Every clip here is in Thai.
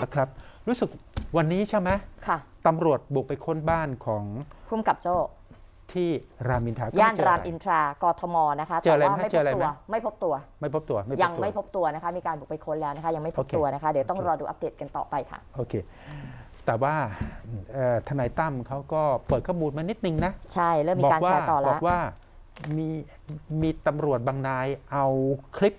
ครับรู้สึกวันนี้ใช่ไหมค่ะตำรวจบุกไปค้นบ้านของพุ่มกับโจ้ที่รามอินทราก็ย่านไเจอรามอะไรอินทรากทมนะคะเจออะไรแต่ว่าไหมไม่เจพอบ อะไรตัไหมวไม่พบตัวไม่พบตัวยังไม่พบตัวนะคะมีการบุกไปค้นแล้วนะคะยังไม่พบโอเคตัวนะคะเดี๋ยวต้องโอเครอดูอัปเดตกันต่อไปค่ะโอเค แต่ว่าทนายตั้มเขาก็เปิดข้อมูลมานิดนึงนะใช่เริ่มมีการแชร์ต่อบแล้อวกว่ามีตำรวจบางนายเอาคลิป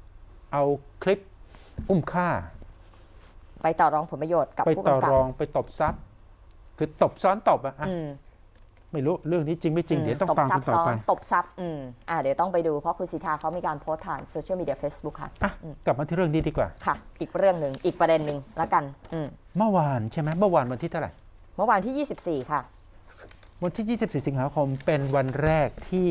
อุ้มฆ่าไปต่อรองผลประโยชน์กับไปผู้ต่อกำกับรองไปตบทรัพย์ คือตบซ้อนตบอะอืมไม่รู้เรื่องนี้จริงไม่จริงเดี๋ยวต้องตบฟังซักับ นต่ซ้ออนไปตบซับเดี๋ยวต้องไปดูเพราะคุณสิทธาเขามีการโพสต์ผ่านโซเชียลมีเดีย Facebook ค่ะอ่ะกลับมาที่เรื่องนี้ดีกว่าค่ะ อีกเรื่องหนึ่งอีกประเด็นหนึ่งละกันเมื่อวานใช่ไหมเมื่อวานวันที่เท่าไหร่เมื่อวานที่ 24 ค่ะวันที่ 24 สิงหาคมเป็นวันแรกที่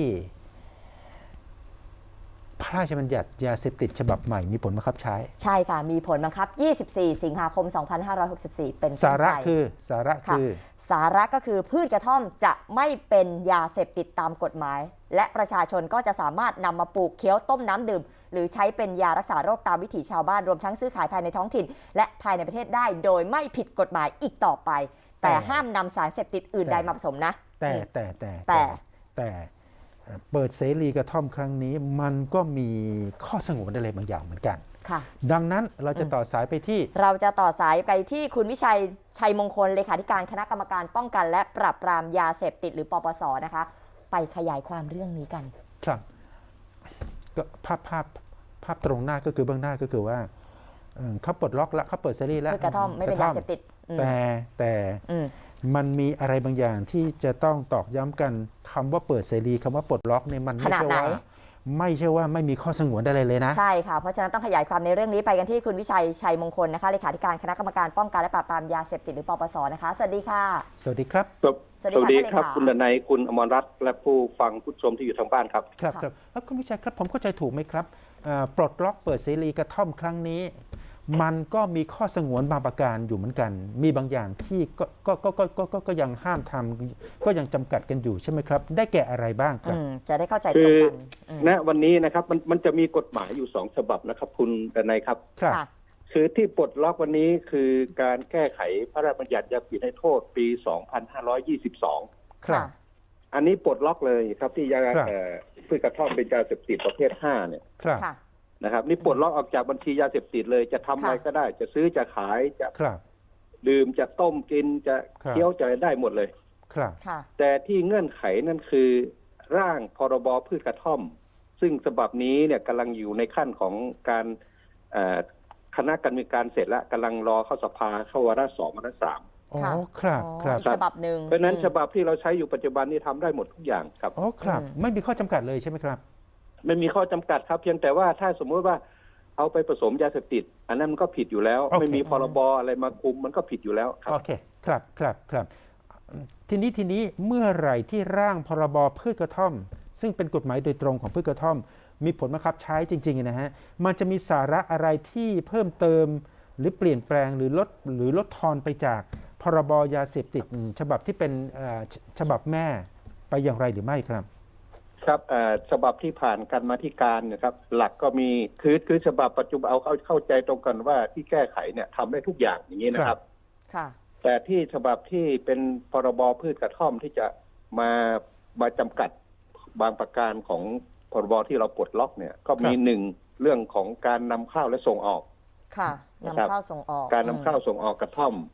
พระราชบัญญัติยาเสพติดฉบับใหม่มีผลบังคับใช้ใช่ค่ะ มีผลบังคับ 24 สิงหาคม 2564 เป็นต้นไปสาระคือสาระก็คือพืชกระท่อมจะไม่เป็นยาเสพติดตามกฎหมาย และประชาชนก็จะสามารถนำมาปลูกเคี้ยวต้มน้ำดื่ม หรือใช้เป็นยารักษาโรคตามวิถีชาวบ้านรวมทั้งซื้อขายภายในท้องถิ่น และภายในประเทศได้โดยไม่ผิดกฎหมายอีกต่อไป แต่ห้ามนำสารเสพติดอื่นใดมาผสมนะแต่เปิดเสรีกระท่อมครั้งนี้มันก็มีข้อสงวนอะไรบางอย่างเหมือนกันค่ะดังนั้นเราจะต่อสายไปที่เราจะต่อสายไปที่คุณวิชัยชัยมงคลเลขาธิการคณะกรรมการป้องกันและปราบปรามยาเสพติดหรือปปสนะคะ ไปขยายความเรื่องนี้กันครับก็ภาพตรงหน้าก็คือเบื้องหน้าก็คือว่าเขาปลดล็อกแล้วเขาเปิดเสรีแล้วพืชกระท่อมไม่เป็นยาเสพติดแต่มันมีอะไรบางอย่างที่จะต้องตอกย้ำกันคำว่าเปิดเสรีคำว่าปลดล็อกเนี่ยมันไม่ใช่ว่าไม่มีข้อสงวนอะไรเลยนะใช่ค่ะเพราะฉะนั้นต้องขยายความในเรื่องนี้ไปกันที่คุณวิชัยชัยมงคลนะคะเลขาธิการคณะกรรมการป้องกันและปราบปรามยาเสพติดหรือปปสนะคะสวัสดีค่ะสวัสดีครับสวัสดีครับคุณดนัยคุณอมรรัตน์และผู้ฟังผู้ชมที่อยู่ทางบ้านครับครับแล้วคุณวิชัยครับผมเข้าใจถูกไหมครับปลดล็อกเปิดเสรีกระท่อมครั้งนี้ มันก็มีข้อสงวนบางประการอยู่เหมือนกัน มีบางอย่างที่ก็ยังห้ามทำก็ยังจำกัดกันอยู่ใช่ไหมครับได้แก่อะไรบ้างครับจะได้เข้าใจตรงกันณวันนี้นะครับมันจะมีกฎหมายอยู่2 ฉบับนะครับคุณดนัยครับคือที่ปลดล็อกวันนี้คือการแก้ไขพระราชบัญญัติยาเสพติดให้โทษปี 2522 ครับอันนี้ปลดล็อกเลยครับที่ยาพืชกระท่อมเป็นยาเสพติดประเภท5เนี่ยนะครับนี่ปลดล็อกออกจากบัญชียาเสพติดเลยจะทำอะไรก็ได้จะซื้อจะขายจะดื่มจะต้มกินจะเคี้ยวจะได้หมดเลยครับแต่ที่เงื่อนไขนั่นคือร่างพรบพืชกระท่อมซึ่งฉบับนี้เนี่ยกำลังอยู่ในขั้นของการคณะกรรมการเสร็จแล้วกำลังรอเข้าสภาเข้าวาระ2วาระ3 อ๋อครับฉบับหนึ่งเพราะนั้นฉบับที่เราใช้อยู่ปัจจุบันนี้ทำได้หมดทุกอย่างครับอ๋อครับไม่มีข้อจำกัดเลยใช่ไหมครับไม่มีข้อจำกัดครับเพียงแต่ว่าถ้าสมมติว่าเอาไปผสมยาเสพติดอันนั้นมันก็ผิดอยู่แล้วไม่มีพรบอะไรมาคุมมันก็ผิดอยู่แล้วครับโอเคครับทีนี้เมื่อไหร่ที่ร่างพรบพืชกระท่อมซึ่งเป็นกฎหมายโดยตรงของพืชกระท่อมมีผลบังคับใช้จริงๆนะฮะมันจะมีสาระอะไรที่เพิ่มเติมหรือเปลี่ยนแปลงหรือลดทอนไปจากพรบยาเสพติดฉบับที่เป็นฉบับแม่ไปอย่างไรหรือไม่ครับครับฉบับที่ผ่านการมาธิการนะครับหลักก็มีคือฉบับปัจจุบันเอาเข้าใจตรงกันว่าที่แก้ไขเนี่ยทำได้ทุกอย่างอย่างนี้นะครับค่ะแต่ที่ฉบับที่เป็นพรบพืชกระท่อมที่จะมาจำกัดบางประการของพรบที่เราปลดล็อกเนี่ยก็มี1เรื่องของการนำเข้าและส่งออกค่ะนำเข้าส่งออกการนำเข้าส่งออกกระท่อม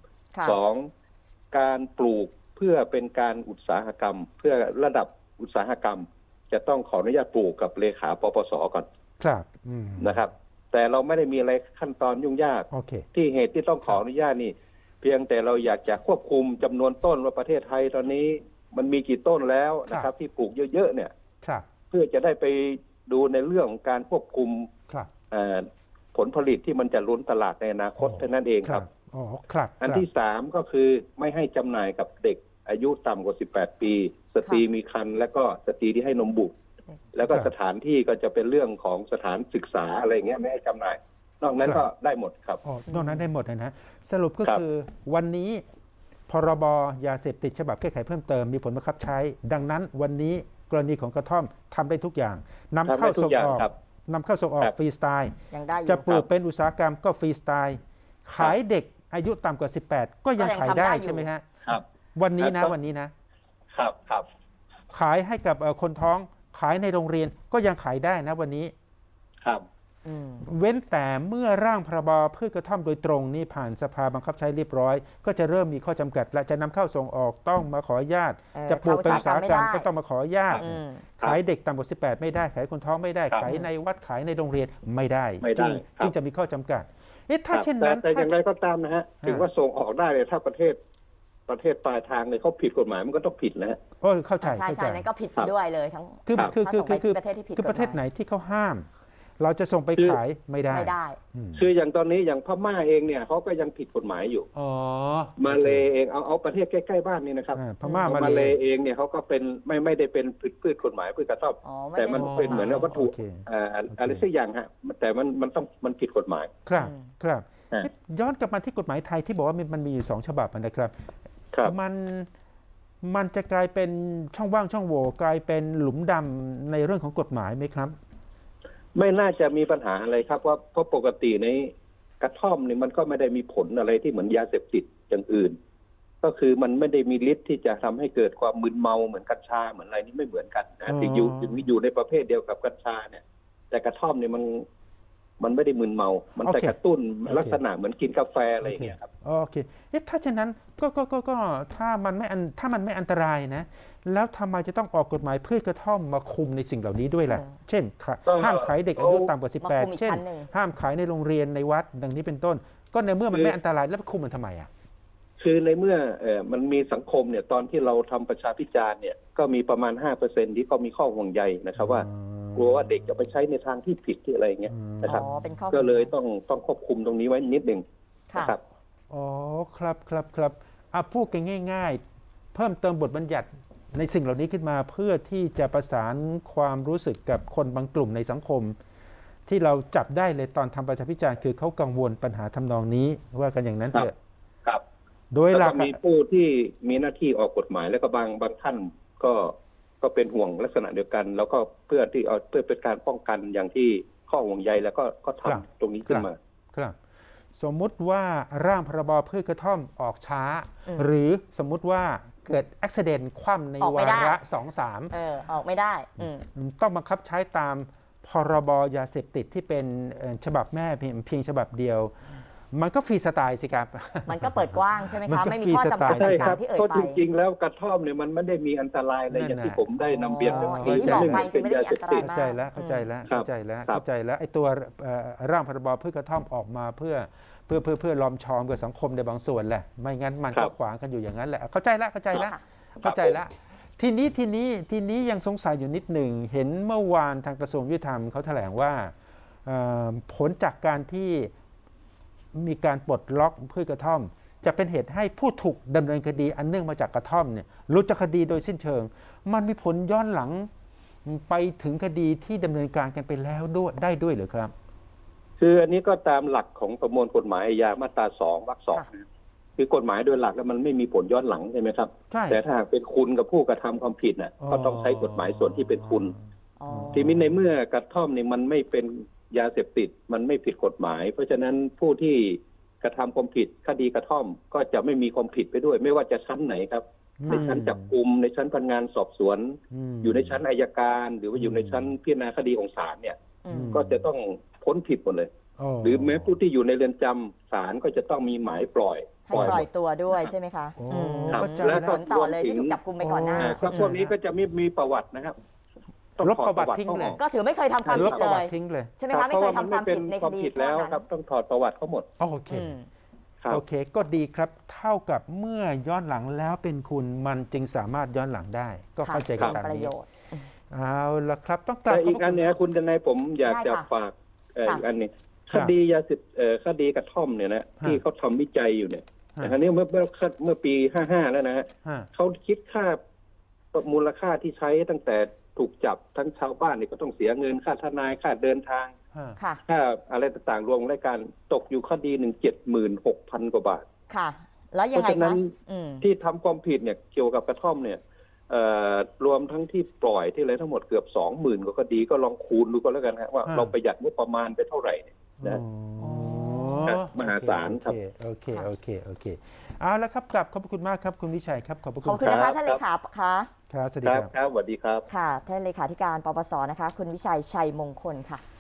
2การปลูกเพื่อเป็นการอุตสาหกรรมเพื่อระดับอุตสาหกรรมจะต้องขออนุญาตปลูกกับเลขาปปสก่อนครับนะครับแต่เราไม่ได้มีอะไรขั้นตอนยุ่งยากที่เหตุที่ต้องขออนุญาตนี่เพียงแต่เราอยากจะควบคุมจำนวนต้นว่าประเทศไทยตอนนี้มันมีกี่ต้นแล้วนะครับที่ปลูกเยอะๆเนี่ยเพื่อจะได้ไปดูในเรื่องของการควบคุมผลผลิตที่มันจะล้นตลาดในอนาคตเท่านั้นเองครับอันที่3ก็คือไม่ให้จำหน่ายกับเด็กอายุต่ำกว่า18 ปีสตรีมีครรภ์และก็สตรีที่ให้นมบุตรแล้วก็สถานที่ก็จะเป็นเรื่องของสถานศึกษาอะไรเงี้ยไม่ให้จำหน่ายนอกนั้นก็ได้หมดครับนอกนั้นได้หมดนะสรุปก็คือวันนี้พรบยาเสพติดฉบับแก้ไขเพิ่มเติมมีผลบังคับใช้ดังนั้นวันนี้กรณีของกระท่อมทำได้ทุกอย่างนำเข้าส่งออกฟรีสไตล์จะปลูกเป็นอุตสาหกรรมก็ฟรีสไตล์ขายเด็กอายุต่ำกว่า 18 ก็ยังขายได้ใช่ไหมฮะครับวันนี้นะครับวันนี้นะครับครับขายให้กับคนท้องขายในโรงเรียนก็ยังขายได้นะวันนี้ครับอืมเว้นแต่เมื่อร่างพรบพืชกระท่อมโดยตรงนี่ผ่านสภาบังคับใช้เรียบร้อย ก็จะเริ่มมีข้อจำกัด และจะนำเข้าส่งออกต้องมาขออนุญาต จะปลูกเป็นอุตสาหกรรมก็ต้องมาขออนุญาตอืมขายเด็กต่ำกว่า 18 ไม่ได้ ขายคนท้องไม่ได้ครับขายในวัดขายในโรงเรียนไม่ได้ไม่ได้จึงครับจึงจะมีข้อจำกัด เอ๊ะถ้าครับเช่นนั้นแต่อย่างไรก็ตามนะฮะ ถึงว่าส่งออกได้เลยถ้าประเทศปลายทางเลยเขาผิดกฎหมายมันก็ต้องผิดนะฮะโอ้เข้าใจใช่เข้าใจใช่นั่นก็ผิดครับด้วยเลยทั้งคือครับคือถ้าคือส่งไปคือที่ประเทศที่ผิดคือประเทศกฎหมายไหนที่เขาห้าม เราจะส่งไปขายไม่ได้ไม่ได้อืมคืออย่างตอนนี้อย่างพม่าเองเนี่ยเขาก็ยังผิดกฎหมายอยู่อ๋อมาเลเองเอาประเทศใกล้ๆบ้านนี่นะครับพม่ามามาเลเลยเองเนี่ยเขาก็เป็นไม่ได้เป็นพืชกฎหมายพืชกระท่อมอ๋อไม่แต่ได้มันถูกเป็นเหมือนกับวัตถุโอเคอะไรสักอย่างฮะแต่มันผิดกฎหมายครับ ครับฮะย้อนกลับมาที่กฎหมายไทยที่บอกว่ามันมีอยู่2 ฉบับนะครับครับมันจะกลายเป็นช่องว่างช่องโหว่กลายเป็นหลุมดำในเรื่องของกฎหมายไหมครับไม่น่าจะมีปัญหาอะไรครับเพราะปกติในกระท่อมนี่มันก็ไม่ได้มีผลอะไรที่เหมือนยาเสพติดอย่างอื่น ก็คือมันไม่ได้มีฤทธิ์ที่จะทำให้เกิดความมึนเมาเหมือนกัญชาเหมือนอะไรนี่ไม่เหมือนกันนะอ๋อถึงอยู่ในประเภทเดียวกับกัญชาเนี่ย แต่กระท่อมเนี่ยมันไม่ได้มึนเมา มันแต่กระตุ้นลักษณะเหมือนกินกาแฟอะไรอย่างเงี้ยครับโอเคถ้าเช่นนั้นก็ถ้ามันไม่อันตรายนะ แล้วทำไมจะต้องออกกฎหมายพืชกระท่อมมาคุมในสิ่งเหล่านี้ด้วยล่ะ เช่นก็ห้ามขายเด็กอายุต่ำกว่ามาคุมอี 18 กเช่นชั้นหนึ่งห้ามขายในโรงเรียนในวัดดังนี้เป็นต้น ก็ในเมื่อมันไม่อันตรายแล้วไปคุมมันทำไมอ่ะคือในเมื่อมันมีสังคมเนี่ยตอนที่เราทำประชาพิจารณ์เนี่ยก็มีประมาณ 5% ที่ก็มีข้อห่วงใยนะครับว่ากลัวว่าเด็กจะไปใช้ในทางที่ผิดที่อะไรอย่างเงี้ยนะครับอ๋อเป็นข้อก็เลยต้องควบคุมตรงนี้ไว้นิดหนึ่งค่ะนะครับอ๋อครับพูดกันง่ายๆ เพิ่มเติมบทบัญญัติในสิ่งเหล่านี้ขึ้นมาเพื่อที่จะประสานความรู้สึกกับคนบางกลุ่มในสังคม ที่เราจับได้เลยตอนทำประชาพิจารณ์คือเขากังวลปัญหาทำนองนี้ว่ากันอย่างนั้นเถอะครับโดยหแล้ลัวกก็มีผู้ที่มีหน้าที่ออกกฎหมายแล้วก็บางท่านก็เป็นห่วงลักษณะเดียวกัน แล้วก็เพื่อเป็นการป้องกันอย่างที่ข้อห่วงใยแล้วก็ทำตรงนี้ขึ้นมาครับ สมมุติว่าร่างพรบพืชกระท่อมออกช้า หรือสมมุติว่าเกิดอุบิเหตุคว่ำในออกไม่วาได้ระออกไม่ได้ต้องบังคับใช้ตามพรบยาเสพติดที่เป็นฉบับแม่เพียงฉบับเดียว มันก็ฟรีสไตล์สิครับมันก็เปิดกว้างใช่ไหมมันคะก็ไม่มีข้อจำกัดฟรีสไตล์ใช่ตาครัมบที่เอ่ยเพราะไปจริงๆแล้วกระท่อมเนี่ยมันไม่ได้มีอันตรายอะไรอย่างที่ผมได้นำเรียนอ๋ออย่างที่บอกไปจริงๆไม่ได้มีอันตรายมากเข้าใจแล้วเข้าใจแล้วไอ้ตัวร่างพรบพืชกระท่อมออกมาเพื่อล้อมชอมกับสังคมในบางส่วนแหละไม่งั้นมันก็ขวางกันอยู่อย่างนั้นแหละเข้าใจแล้วทีนี้ยังสงสัยอยู่นิดหนึ่งเห็นเมื่อวานทางกระทรวงยุติธรรมเขาแถลงว่าผลจากการที่มีการปลดล็อกพืชกระท่อม จะเป็นเหตุให้ผู้ถูกดำเนินคดีอันเนื่องมาจากกระท่อมเนี่ยหลุดจากคดีโดยสิ้นเชิง มันมีผลย้อนหลังไปถึงคดีที่ดำเนินการกันไปแล้วด้วยหรือครับคืออันนี้ก็ตามหลักของประมวลกฎหมายอาญามาตรา2 วรรค 2นะคือกฎหมายโดยหลักแล้วมันไม่มีผลย้อนหลังใช่ไหมครับใช่แต่ถ้าหากเป็นคุณกับผู้กระทำความผิดน่ะก็ต้องใช้กฎหมายส่วนที่เป็นคุณอ๋อทีนี้ในเมื่อกระท่อมนี่มันไม่เป็นยาเสพติดมันไม่ผิดกฎหมาย เพราะฉะนั้นผู้ที่กระทำความผิดคดีกระท่อมก็จะไม่มีความผิดไปด้วย ไม่ว่าจะชั้นไหนครับในชั้นจับกุมในชั้นพนักงานสอบสวน อยู่ในชั้นอัยการ หรือว่าอยู่ในชั้นพิจารณาคดีของศาลเนี่ย ก็จะต้องพ้นผิดหมดเลย หรือแม้ผู้ที่อยู่ในเรือนจำศาลก็จะต้องมีหมายปล่อยให้ปล่อยตัวด้วยใช่ไหมคะโอ้ครับเข้าใจแล้วผลต่อเลยที่ถูกจับกุมไปก่อนหน้าก็พวกนี้ก็จะไม่มีประวัตินะครับต้องลบถอดประวัติทิ้งเขาเลอย อกก็ถือไม่เคยทำความลผิบดประเลวัยติทิ้งเลยใช่ไหมคะไม่เคยทำความผิดในคดีผิดแล้วครับต้องถอดประวัติเขาหมดโอเคอืมครับโอเคก็ดีครับเท่ากับเมื่อย้อนหลังแล้วเป็นคุณมันจึงสามารถย้อนหลังได้ ก็เข้าใจกันค่ะตามประนี้โยชน์เอาละครับต้องกลับแต่อีกขบพระอันเนี้ยคุณทนายผมอยากจะได้ค่ะฝากค่ะอีกอันหนี้ครัคบดียาเสพคดีกระท่อมเนี่ยนะที่เขาทำวิจัยอยู่เนี่ยฮะแต่ครั้นี้เมื่อปี55แล้วนะฮะฮะเขาคิดค่ามูลค่าที่ใช้ตั้งแต่ถูกจับทั้งชาวบ้านนี่ก็ต้องเสียเงินค่าทนายค่าเดินทางฮะค่ะค่าอะไรต่างๆรวมรายการตกอยู่คดีหนึ่ง76,000 กว่าบาทค่ะ แล้วยังไงเพราะฉะนั้คะนอืมที่ทำความผิดเนี่ยเกี่ยวกับกระท่อมเนี่ยรวมทั้งที่ปล่อยที่อะไรทั้งหมดเกือบ 20,000 กว่าคดีก็ลองคูณดูก็แล้วกันฮะว่าเราประหยัดงบประมาณไปเท่าไหร่เนี่ยนะอ๋อมหาศาลครับโอเคเอาละครับกลับขอบคุณมากครับคุณวิชัยครับขอบคุณขอบคุณนะคะท่านเลขาค่ะครับสวัสดีครับครับครับสวัสดีครับค่ะท่านเลขาธิการปปสนะคะ คุณวิชัยชัยมงคลค่ะ